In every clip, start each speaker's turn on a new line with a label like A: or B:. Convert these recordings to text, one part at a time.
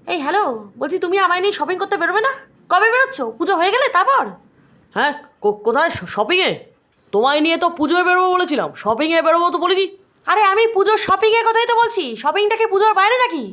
A: এই হ্যালো, বলছি তুমি আমায় নিয়ে শপিং করতে বেরোবে না? কবে বেরোচ্ছ? পুজো হয়ে গেলে তারপর?
B: হ্যাঁ, কোথায়? শপিংয়ে? তোমায় নিয়ে তো পুজোয় বেরোবো বলেছিলাম, শপিংয়ে বেরোবো তো বলিনি।
A: আরে আমি পুজোর শপিংয়ের কথাই তো বলছি, শপিংটাকে পুজোর বাইরে নাকি?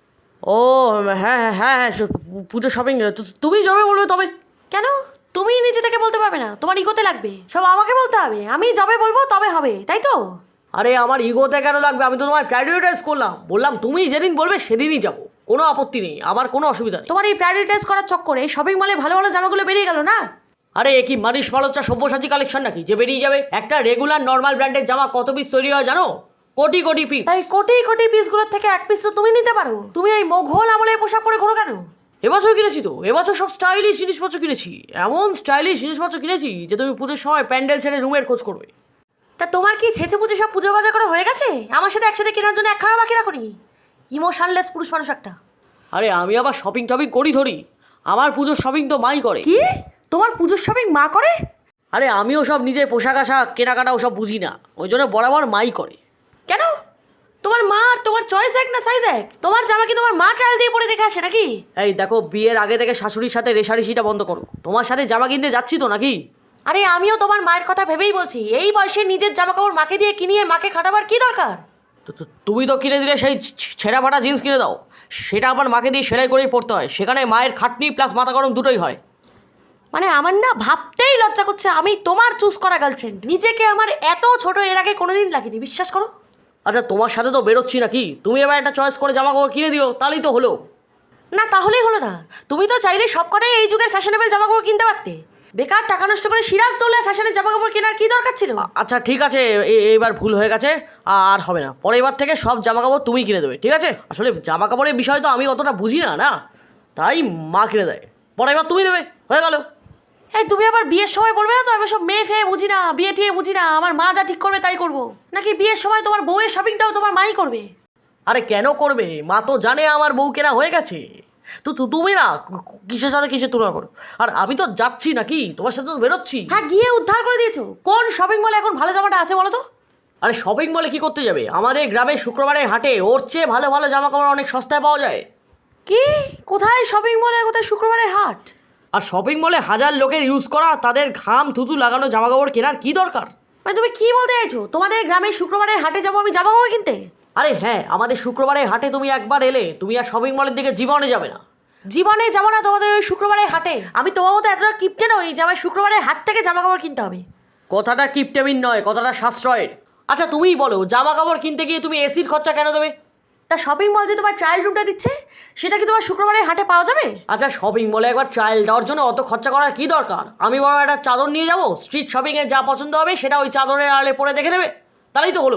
B: ও হ্যাঁ হ্যাঁ হ্যাঁ হ্যাঁ, পুজো শপিং তুমি যাবে বলবে তবে।
A: কেন? তুমি নিজে থেকে বলতে পারবে না? তোমার ইগোতে লাগবে, সব আমাকে বলতে হবে। আমি যাবে বলবো তবে হবে, তাই তো?
B: আরে আমার ইগোতে কেন লাগবে? আমি তো তোমায় প্রায়োরিটাইজ করলাম, বললাম তুমি যেদিন বলবে সেদিনই যাবো, কোনো আপত্তি নেই, আমার কোনো অসুবিধা নেই।
A: তোমার এই প্রায়োরিটাইজ করার চক্করে শপিং মলে ভালো ভালো জামাগুলো বেরিয়ে গেল না?
B: আরে এ কি মানিস মালচ্চা সব্যসাচী কালেকশন নাকি যে বেরিয়ে যাবে? একটা রেগুলার নর্মাল ব্র্যান্ডের জামা কত পিস তৈরি হয় জানো? কোটি কোটি পিস।
A: তাই কোটি কোটি পিসগুলোর থেকে এক পিস তো তুমি নিতে পারো। তুমি এই মোঘল আমলের পোশাক পরে ঘোরো কেন?
B: এবছর কিনেছি তো, এবছর সব স্টাইলিশ জিনিসপত্র কিনেছি, এমন স্টাইলিশ জিনিসপত্র কিনেছি যে তুমি পুজোর সময় প্যান্ডেল ছেড়ে রুমের খোঁজ করবে।
A: তা তোমার কি ছেঁচে পুজো সব পুজো বাজার করা হয়ে গেছে? আমার সাথে একসাথে কেনার জন্য একখানা বাকি রাখো নি? ইমোশনলেস পুরুষ মানুষ একটা।
B: আরে আমি আবার শপিং টপিং করি ধরি? আমার পুজোর শপিং তো মাই করে।
A: কি? তোমার পুজোর শপিং মা করে?
B: আরে আমিও সব নিজে পোশাক আশাক কেনাকাটা ওসব বুঝি না, ওই জন্য বরাবর মাই করে।
A: কেন? তোমার মা আর তোমার চয়েস এক না সাইজ এক? তোমার জামা কি তোমার মা ট্রায়াল দিয়ে পরে দেখে আসে নাকি?
B: এই দেখো, বিয়ের আগে থেকে শাশুড়ির সাথে রেশারেশিটা বন্ধ করো। তোমার সাথে জামা কিনতে যাচ্ছি তো নাকি?
A: আরে আমিও তোমার মায়ের কথা ভেবেই বলছি, এই বয়সে নিজের জামা কাপড় মাকে দিয়ে কিনিয়ে মাকে খাটাবার কি দরকার?
B: তুমি তো কিনে দিলে সেই ছেঁড়া ফাটা জিন্স কিনে দাও, সেটা আবার মাকে দিয়ে সেলাই করেই পড়তে হয়, সেখানে মায়ের খাটনি প্লাস মাথা গরম দুটোই হয়।
A: মানে আমার না ভাবতেই লজ্জা করছে, আমি তোমার চুজ করা গার্লফ্রেন্ড। নিজেকে আমার এত ছোট এর আগে কোনোদিন লাগেনি, বিশ্বাস করো।
B: আচ্ছা তোমার সাথে তো বেরোচ্ছি নাকি, তুমি এবার একটা চয়েস করে জামা কাপড় কিনে দিও, তাহলেই তো হলো।
A: না তাহলেই হলো না? তুমি তো চাইলে সবকটাই এই যুগের ফ্যাশনেবল জামা কাপড় কিনতে পারতে। বেকার টাকা নষ্ট করে সিরাজ দৌলে ফ্যাশনের জামা কাপড় কেনার কি দরকার ছিল?
B: আচ্ছা ঠিক আছে, এবার ভুল হয়ে গেছে, আর হবে না। পরের বার থেকে সব জামা কাপড় তুমি কিনে দেবে, ঠিক আছে? আসলে জামা কাপড়ের বিষয় তো আমি অতটা বুঝি না, না তাই মা কিনে দেয়, পরের বার তুমি দেবে, হয়ে গেল।
A: এই তুমি আবার বিয়ের সময় বলবে না তো আমি সব মেয়ে ফেয়ে বুঝি না, বিয়ে টিয়ে বুঝি না, আমার মা যা ঠিক করবে তাই করবো? নাকি বিয়ের সময় তোমার বউয়ের শপিংটাও তোমার মাই করবে?
B: আরে কেন করবে? মা তো জানে আমার বউ কেনা হয়ে গেছে। তো তুমি না কিসের সাথে কিসের তুলনা করো? আর আমি তো যাচ্ছি নাকি, তোমার সাথে তো বেরোচ্ছি।
A: হ্যাঁ, গিয়ে উদ্ধার করে দিয়েছো। কোন শপিং মলে এখন ভালো জামাটা আছে বলো তো?
B: আরে শপিং মলে কি করতে যাবে? আমাদের গ্রামে শুক্রবারে হাটে ওর চেয়ে ভালো ভালো জামা কাপড় অনেক সস্তায় পাওয়া যায়।
A: কি? কোথায় শপিং মলে, কোথায় শুক্রবারে হাট?
B: আর শপিং মলে হাজার লোকের ইউজ করা, তাদের ঘাম থুতু লাগানো জামা কাপড় কেনার কি দরকার?
A: মানে তুমি কি বলতে চাইছো? তোমাদের গ্রামে শুক্রবারে হাটে যাবো আমি জামা কাপড় কিনতে?
B: আরে হ্যাঁ, আমাদের শুক্রবারে হাটে তুমি একবার এলে তুমি আর শপিং মলের দিকে জীবনে যাবে না।
A: জীবনে যাবো না তোমাদের ওই শুক্রবারে হাটে। আমি তোমার মতো এতটা কিপটে নই যে আমার শুক্রবারে হাট থেকে জামা কাপড় কিনতে হবে।
B: কথাটা কিপটেমিন নয়, কথাটা সাশ্রয়ের। আচ্ছা তুমিই বলো, জামা কাপড় কিনতে গিয়ে তুমি এসির খরচা কেন দেবে?
A: তা শপিং মল যে তোমার ট্রায়াল রুমটা দিচ্ছে, সেটা কি তোমার শুক্রবারে হাটে পাওয়া যাবে?
B: আচ্ছা শপিং মলে একবার ট্রায়াল দেওয়ার জন্য অত খরচা করার কি দরকার? আমি বড় একটা চাদর নিয়ে যাবো, স্ট্রিট শপিংয়ে যা পছন্দ হবে সেটা ওই চাদরের আড়ালে পরে দেখে নেবে, তাহলেই তো হলো।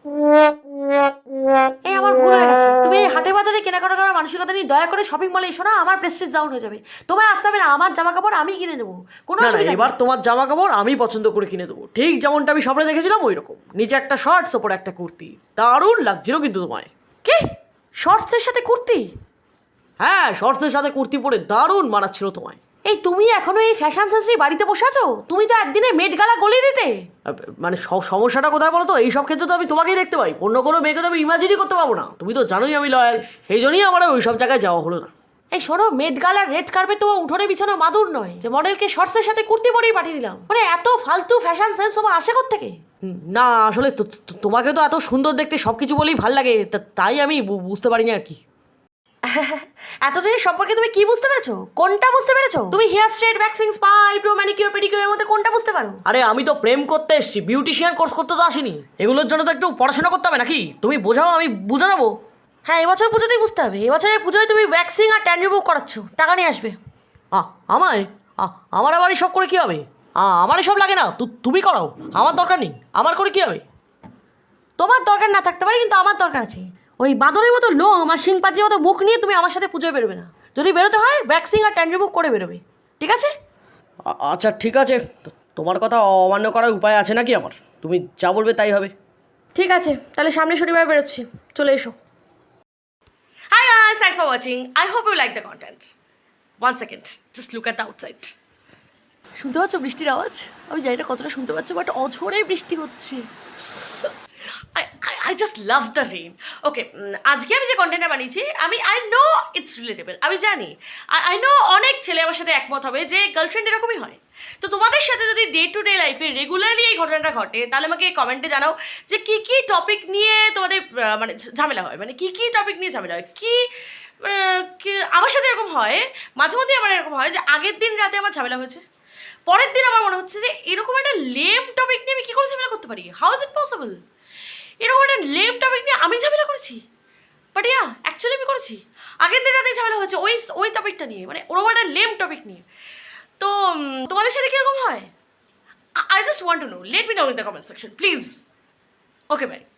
A: এই আমার ভুল হয়ে গেছে। তুমি এই হাটে বাজারে কেনাকাটা করার মানসিকতা নিয়ে দয়া করে শপিং মলে এসো না, আমার প্রেস্টিজ ডাউন হয়ে যাবে। তোমায় আসতে হবে না, আমার জামা কাপড় আমি কিনে নেবো, কোনো
B: না না,
A: অসুবিধা নেই।
B: এবার তোমার জামা কাপড় আমি পছন্দ করে কিনে দেবো, ঠিক যেমনটা আমি স্বপ্নে দেখেছিলাম ওই রকম। নিচে একটা শর্টস, ওপরে একটা কুর্তি, দারুণ লাগছিল কিন্তু তোমায়।
A: কি? শর্টসের সাথে কুর্তি?
B: হ্যাঁ, শর্টসের সাথে কুর্তি পরে দারুণ মানাচ্ছিল তোমায়।
A: এই তুমি এখনো এই ফ্যাশন সেন্স নিয়ে বাড়িতে বসে আছো? তুমি তো একদিনে মেট গালা গলিয়ে দিতে।
B: মানে সমস্যাটা কোথায় বলো তো? এইসব ক্ষেত্রে তো আমি তোমাকেই দেখতে পাই, অন্য কোনো মেয়েকে তো আমি ইমাজিনই করতে পারবো না। তুমি তো জানোই আমি লয়াল, সেই জন্যই আমার ওই সব জায়গায় যাওয়া হলো না।
A: এই শোনো, মেট গালার রেড কার্পেট তোমার উঠোনে বিছানো মাদুর নয় যে মডেলকে শর্টসের সাথে কুর্তি পরেই পাঠিয়ে দিলাম। মানে এত ফালতু ফ্যাশন সেন্স তোমার আসে কোত্থেকে?
B: না আসলে তোমাকে তো এত সুন্দর দেখতে সব কিছু বলেই ভাল লাগে, তাই আমি বুঝতে পারিনি আর কি।
A: এতদিনের সম্পর্কে তুমি কি বুঝতে পেরেছো? কোনটা বুঝতে পেরেছো? তুমি hair straight, waxing, spa, eyebrow, manicure, পেডিকিউরের মধ্যে কোনটা বুঝতে পারো?
B: আরে আমি তো প্রেম করতে এসেছি, বিউটিশিয়ান কোর্স করতে তো আসিনি। এগুলোর জন্য তো একটু পড়াশোনা করতে হবে নাকি? তুমি বোঝাও, আমি বুঝে নেবো।
A: হ্যাঁ, এবছর পুজোতেই বুঝতে হবে। এবছরের পুজোয় তুমি ভ্যাক্সিং আর ট্যান রিমুভ করাচ্ছ, টাকা নিয়ে আসবে।
B: আমায় আমার আবার এসব করে কী হবে? আমার এসব লাগে না, তুমি করাও, আমার দরকার নেই। আমার করে কী হবে?
A: তোমার দরকার না থাকতে পারে, কিন্তু আমার দরকার আছে। ওই বাঁদরের মতো লোম আর শিংপাজির মতো মুখ নিয়ে তুমি আমার সাথে পুজোয় বেরোবে না। যদি বেরোতে হয় ভ্যাক্সিং আর ট্যান রিমুভ করে বেরোবে, ঠিক আছে?
B: আচ্ছা ঠিক আছে, তোমার কথা অমান্য করার উপায় আছে নাকি আমার? তুমি যা বলবে তাই হবে।
A: ঠিক আছে, তাহলে সামনে শনিবার বেরোচ্ছি, চলে এসো। Hi guys, thanks for watching. I hope you like the content. One second, just look at the outside. শুনতে পাচ্ছ বৃষ্টির আওয়াজ? আমি জানি না কতটা শুনতে পাচ্ছ, বাট অঝোরে বৃষ্টি হচ্ছে। I I just love the rain. Okay, আজকে আমি যে কন্টেন্টটা বানিয়েছি আই নো ইটস রিলেটেবল, আমি জানি, আই নো অনেক ছেলে আমার সাথে একমত হবে যে গার্লফ্রেন্ড এরকমই হয়। তো তোমাদের সাথে যদি ডে টু ডে লাইফে রেগুলারলি এই ঘটনাটা ঘটে, তাহলে আমাকে কমেন্টে জানাও যে কী কী টপিক নিয়ে তোমাদের মানে ঝামেলা হয়, মানে কী কী টপিক নিয়ে ঝামেলা হয়, আমার সাথে এরকম হয়, মাঝে মধ্যে আমার এরকম হয় যে আগের দিন রাতে আমার ঝামেলা হয়েছে, পরের দিন আমার মনে হচ্ছে যে এরকম একটা লেম টপিক নিয়ে আমি কী করে ঝামেলা করতে পারি, হাউ ইজ ইট পসিবল, এরকম একটা লেম টপিক নিয়ে আমি ঝামেলা করেছি। বাট ইয়া, অ্যাকচুয়ালি আমি করেছি, আগের দিন রাতে ঝামেলা হয়েছে ওই টপিকটা নিয়ে, মানে ওরকম একটা লেম টপিক নিয়ে। তো তোমাদের সাথে কীরকম হয়? I just want to know. Let me know in the comment section, please. Okay, bye.